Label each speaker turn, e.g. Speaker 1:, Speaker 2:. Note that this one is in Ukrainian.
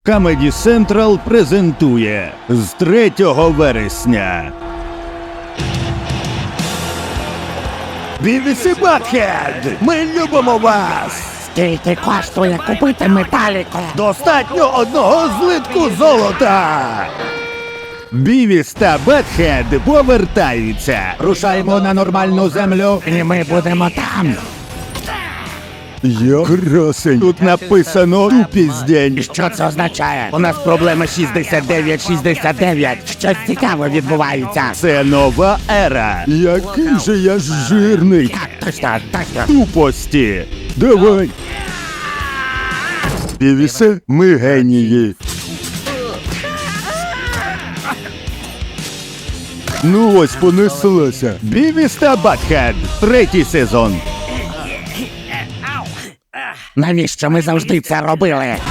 Speaker 1: Comedy Central презентує з 3 вересня Бівіс і Батхед! Ми любимо вас!
Speaker 2: Скільки коштує купити металіку?
Speaker 1: Достатньо одного злитку золота! Бівіс та Батхед повертаються! Рушаємо на нормальну землю!
Speaker 2: І ми будемо там.
Speaker 1: Я красень! Тут написано «Тупіздень».
Speaker 2: І що це означає? У нас проблема 69-69. Щось цікаве відбувається.
Speaker 1: Це нова ера! Який же я ж жирний!
Speaker 2: Так, точно.
Speaker 1: Тупості! Давай! Бівісе, ми генії! Ну ось понеслося! Бівіс та Батхед! 3-й сезон!
Speaker 2: Навіщо ми завжди це робили?